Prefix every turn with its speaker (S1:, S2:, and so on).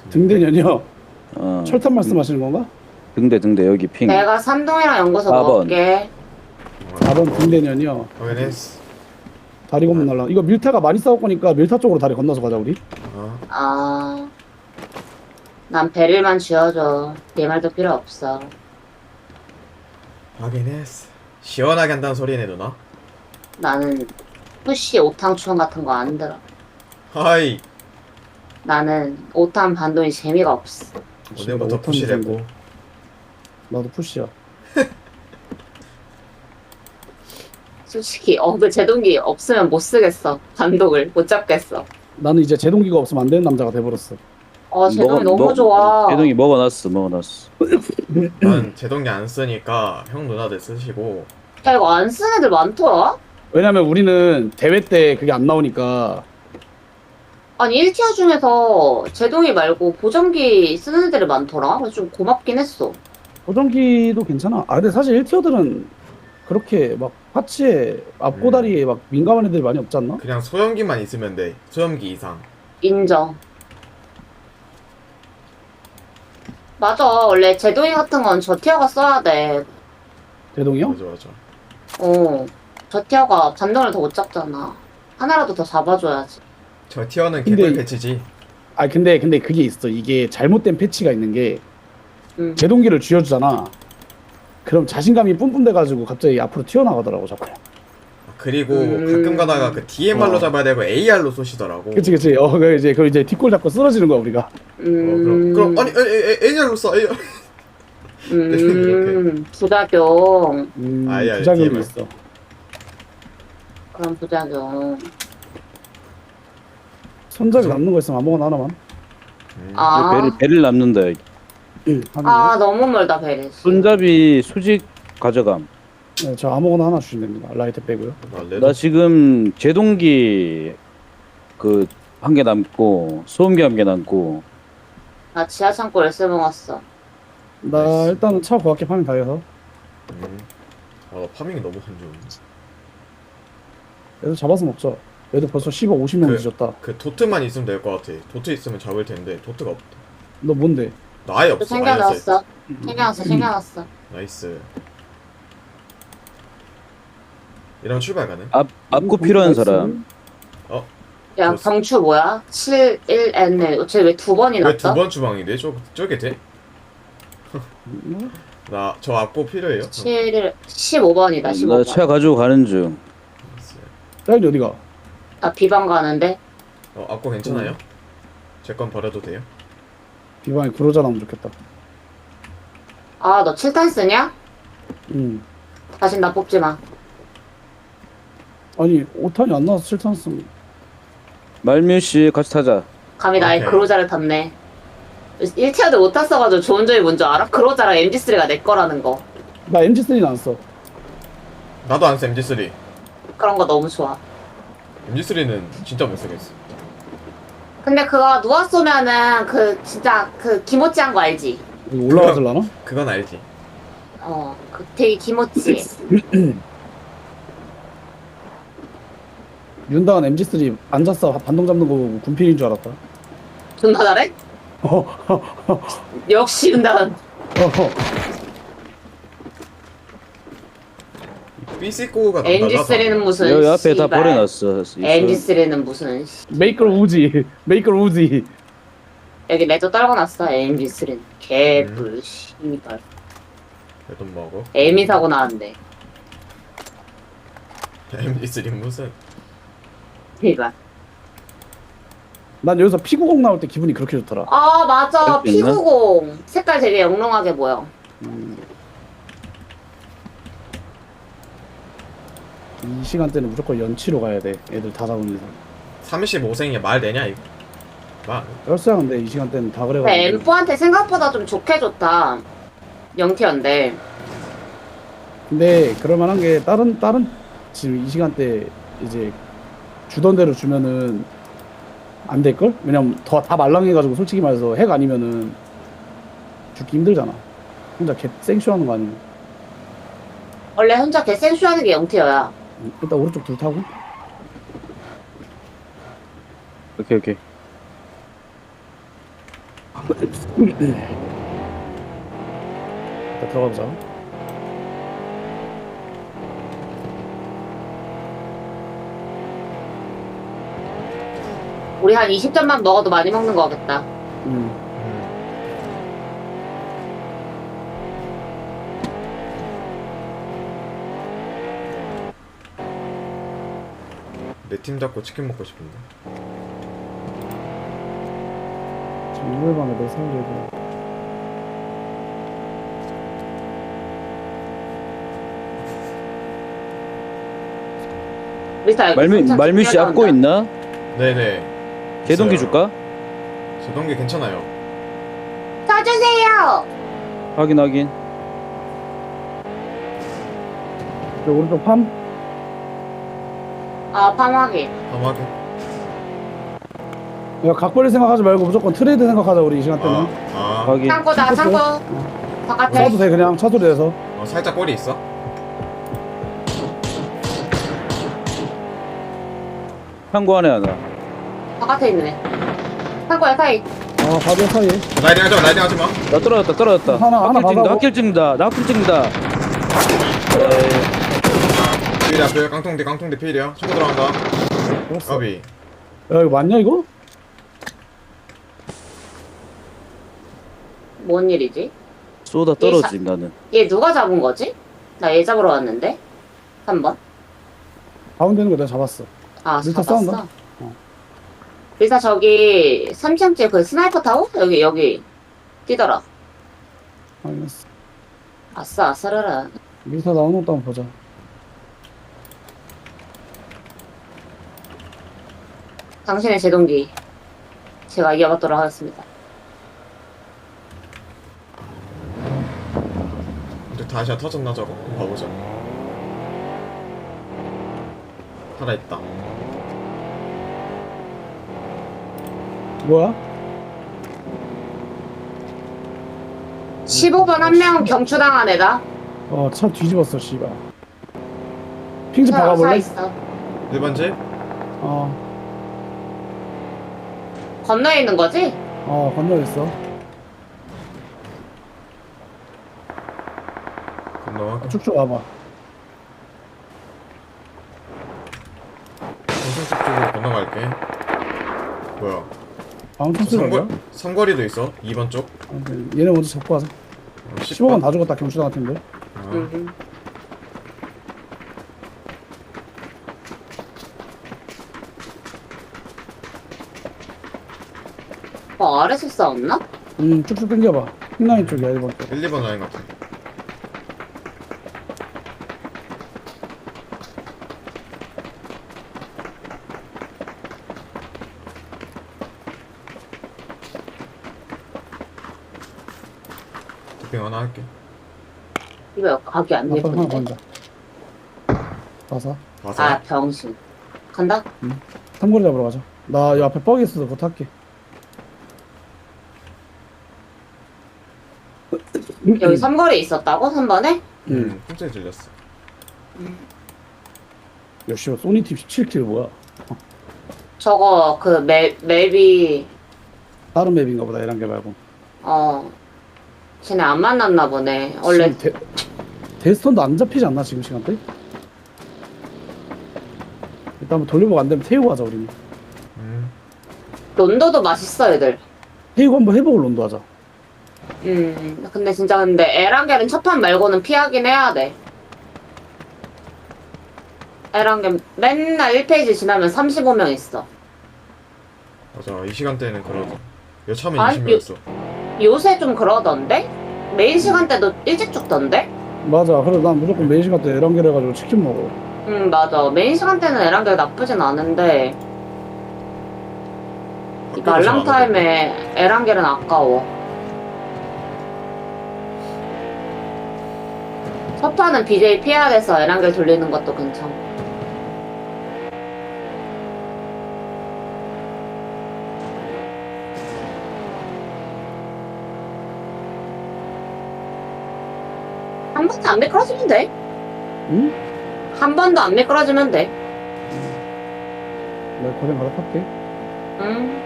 S1: 등대년이요?
S2: 어.
S1: 철탑 말씀하시는 건가?
S2: 등대 여기 핑.
S3: 내가 삼동이랑 연구소
S2: 4번.
S3: 먹을게.
S1: 4번 등대년이요.
S4: 확인했어.
S1: 다리 건너 날라. 이거 밀타가 많이 싸울 거니까 밀타 쪽으로 다리 건너서 가자 우리.
S3: 아, 난 베릴만 쥐어줘. 네 말도 필요 없어.
S4: 확인했어. 시원하게 한다는 소리네 누나.
S3: 나는 푸시 오탕충 같은 거 안 들어.
S4: 하이.
S3: 나는 오탄 반동이 재미가 없어.
S4: 오늘부터 푸시랬고.
S1: 나도 푸시야.
S3: 솔직히 그 제동기 없으면 못 쓰겠어. 반동을 못 잡겠어.
S1: 나는 이제 제동기가 없으면 안 되는 남자가 돼버렸어.
S3: 제동이 너무 좋아.
S2: 제동이 먹어놨어.
S4: 난 제동기 안 쓰니까 형 누나들 쓰시고.
S3: 야, 이거 안 쓰는 애들 많더라?
S1: 왜냐면 우리는 대회 때 그게 안 나오니까.
S3: 아니 1티어 중에서 제동이 말고 보정기 쓰는 애들이 많더라. 그래서 좀 고맙긴 했어.
S1: 보정기도 괜찮아. 아 근데 사실 1티어들은 그렇게 막 파츠에 앞고다리에 막 민감한 애들이 많이 없지 않나?
S4: 그냥 소염기만 있으면 돼. 소염기 이상.
S3: 인정. 맞아. 원래 제동이 같은 건 저 티어가 써야 돼.
S1: 대동이요?
S4: 맞아.
S3: 저 티어가 반동을 더 못 잡잖아. 하나라도 더 잡아줘야지.
S4: 저 티어는
S1: 근데
S4: 개꿀 패치지.
S1: 아 근데 그게 있어. 이게 잘못된 패치가 있는 게 제동기를 쥐어주잖아. 그럼 자신감이 뿜뿜돼가지고 갑자기 앞으로 튀어나가더라고 자꾸.
S4: 그리고 가끔 가다가 그 DMR로 잡아야 되고 AR로 쏘시더라고.
S1: 그치. 그 이제 뒷골 잡고 쓰러지는 거야 우리가.
S4: 그럼 아니 AR로 쏴. AR.
S3: 부작용.
S4: 아예
S1: 부작용이
S4: DMR.
S1: 있어.
S3: 그런 부작용.
S1: 손잡이 남는 거 있으면 아무거나 하나만.
S2: 배를 남는다. 여기.
S3: 너무 멀다 베리.
S2: 손잡이 수직 가져감.
S1: 네, 저 아무거나 하나 주시면 됩니다. 라이트 빼고요.
S2: 나 지금 제동기 그 한 개 남고 소음기 한 개 남고.
S3: 나 지하 창고 열쇠 먹었어.
S1: 나 일단은 차 고압게 파밍 다 해서.
S4: 나 파밍이 너무 안 좋은데.
S1: 얘도 잡아서 먹자. 얘도 벌써 10억 50명 뒤졌다.
S4: 그 도트만 있으면 될 것 같아. 도트 있으면 잡을 텐데 도트가 없다.
S1: 너 뭔데?
S4: 나 아예 없어.
S3: 챙겨놨어. 챙겨놨어.
S4: 나이스. 이러면 출발 가능?
S2: 앞고 필요한 사람.
S3: 야,
S4: 좋았어.
S3: 경추 뭐야? 71N. 쟤 왜 두 번이
S4: 왜
S3: 났다?
S4: 두 번 주방인데? 저게 돼? 나 저 앞고 필요해요?
S3: 15번이다,
S2: 나
S3: 15번.
S2: 차 가지고 가는 중.
S1: 딸기 어디가?
S3: 나 비방 가는데?
S4: 앞고 괜찮아요? 제 건 버려도 돼요?
S1: 비방에 구로자 나오면 좋겠다.
S3: 너 7탄 쓰냐? 다신 나 뽑지 마.
S1: 아니 5탄이 안 나와서 7탄 쓰면
S2: 말뮤씨 같이 타자.
S3: 감히 나의
S4: 오케이.
S3: 그로자를 탔네. 1티어도 못 탔어가지고 좋은 점이 뭔지 알아? 그로자랑 MG3가 내 거라는 거.
S1: 나 MG3는 안 써.
S4: 나도 안 써 MG3.
S3: 그런 거 너무 좋아.
S4: MG3는 진짜 못 쓰겠어.
S3: 근데 그거 누워 쏘면은 진짜 기모찌한 거 알지?
S1: 이거 올라가질라나?
S4: 그건 알지.
S3: 되게 기모찌.
S1: 윤당은 MG3 앉았어 반동 잡는 거 보고 군필인 줄 알았다.
S3: 존나 잘해? 역시 은다은.
S4: 삐삐꼬가
S3: MG3는 무슨
S2: 여기 앞에 다
S3: 씨발.
S2: 버려놨어.
S3: MG3는 무슨
S1: 메이커 우지.
S3: 여기 레저 떨궈놨어. MG3는 개뿔 씨발.
S4: 돈 먹어.
S3: 에미 사고 나왔는데
S4: MG3 무슨?
S3: 씨발.
S1: 난 여기서 피구공 나올 때 기분이 그렇게 좋더라.
S3: 맞아.
S2: 할수 있나?
S3: P90 색깔 되게 영롱하게 보여.
S1: 이 시간대는 무조건 연치로 가야 돼. 애들 다 잡은 이상.
S4: 35생이 말 되냐 이거? 말.
S1: 열쇠야 근데 이 시간대는 다
S3: 근데
S1: 그래가지고.
S3: M4한테 생각보다 좀 좋게 좋다. 영티어인데
S1: 근데 그럴만한 게 다른 지금 이 시간대 이제 주던 대로 주면은 안 될걸? 왜냐면 다 말랑해가지고 솔직히 말해서 핵 아니면은 죽기 힘들잖아. 혼자 개 생쇼하는 거 아니면.
S3: 원래 혼자 개 생쇼하는 게 영티어야.
S1: 일단 오른쪽 둘 타고.
S2: 오케이.
S1: 일단 들어가보자.
S3: 우리 한 20점만 먹어도 많이 먹는 거겠다.
S1: 음.
S4: 내 팀 잡고 치킨 먹고 싶은데.
S1: 지금 이걸 밤에 내 살려고.
S3: 미스터 여기
S2: 말미씨 앞고 있나?
S4: 네네.
S2: 제동기
S4: 있어요.
S2: 줄까?
S4: 제동기 괜찮아요.
S3: 써주세요.
S2: 확인.
S1: 저 오른쪽 팜.
S3: 아, 파마기.
S4: 함하게.
S1: 야, 각 벌릴 생각하지 말고 무조건 트레이드 생각하자 우리 이 시간 때는.
S2: 확인.
S3: 창고다,
S1: 어.
S3: 창고. 바깥에.
S1: 써도 돼 그냥 차소리 내서.
S4: 살짝 꼬리 있어.
S2: 창고 안에 하나.
S3: 바깥에 있네. 창고에 사이.
S1: 바로 사이.
S4: 라이딩 하지 마.
S2: 나 떨어졌다.
S1: 하나
S2: 학길 찍는다. 나 학길 찍는다.
S4: 필이야, 필. 깡통대 필이야. 초코 들어간다.
S1: 알았어.
S4: 까비.
S1: 야 이거 맞냐 이거?
S3: 뭔 일이지?
S2: 쏘다 떨어짐 나는.
S3: 얘 누가 잡은 거지? 나 얘 잡으러 왔는데? 3번?
S1: 가운데 있는 거 내가 잡았어.
S3: 아,
S1: 리사
S3: 잡았어?
S1: 싸운다?
S3: 리사 저기 3층째 그 스나이퍼 타고? 여기 뛰더라.
S1: 알겠어.
S3: 아싸, 아싸라라.
S1: 미사 나오는 것도 한번 보자.
S3: 당신의 제동기 제가 이어받도록 하겠습니다.
S4: 이제 다시야 터졌나 저거? 봐보자. 살아있다.
S1: 뭐야?
S3: 15번 한 명 경추당한 애다.
S1: 차 뒤집었어 씨발. 핑 좀
S3: 사
S1: 박아볼래?
S3: 있어.
S4: 1번 집?
S3: 건너에 있는 거지?
S1: 건너 있어.
S4: 건너와.
S1: 쭉쭉 와봐.
S4: 정승집 쪽으로 건너갈게. 뭐야?
S1: 방금 쓰는 거야?
S4: 삼거리도 있어. 2번 쪽.
S1: 얘네 먼저 잡고 하자. 15번 다 죽었다 경추당 같은데.
S3: 응. 아래서 싸웠나?
S1: 쭉쭉 당겨봐. 핑라인 쪽이야 1번 쪽.
S4: 1, 2번 라인 같아. 도핑 하나 할게.
S3: 이거 각이 안
S1: 아빠 하나
S3: 예쁜데?
S1: 건다. 봐서.
S4: 와서.
S3: 아, 병신. 간다?
S1: 삼거리 잡으러 가자. 나 이 앞에 뻑이 있어서 그거 탈게.
S3: 여기 삼거리에 있었다고? 3번에?
S4: 풍차에 들렸어.
S1: 역시 소니팀 17킬 뭐야?
S3: 저거 그 맵이
S1: 다른 맵인가 보다 이런 게 말고.
S3: 쟤네 안 만났나 보네. 원래
S1: 지금 데스톤도 안 잡히지 않나 지금 시간대? 일단 한번 돌려보고 안 되면 태우고 하자 우리는.
S3: 론도도 맛있어 애들.
S1: 태우고 한번 해보고 론도 하자.
S3: 근데 에란겔은 첫 판 말고는 피하긴 해야 돼. 에란겔 맨날 1페이지 지나면 35명 있어.
S4: 맞아. 이 시간대는 그러죠. 여차하면
S3: 아니,
S4: 20명이었어.
S3: 요새 좀 그러던데? 메인 시간대도 일찍 죽던데?
S1: 맞아. 그래서 난 무조건 메인 시간 때 에란겔 해가지고 치킨 먹어.
S3: 맞아. 메인 시간대는 에란겔 나쁘진 않은데 이
S4: 학교도 잘
S3: 말랑
S4: 안
S3: 타임에 에란겔은 아까워. 첫 판은 BJ 피해야 돼서 에란겔 돌리는 것도 괜찮아. 한 번도 안 미끄러지면 돼.
S1: 응?
S3: 한 번도 안 미끄러지면 돼.
S1: 내가 고생 받아 탈게.
S3: 응.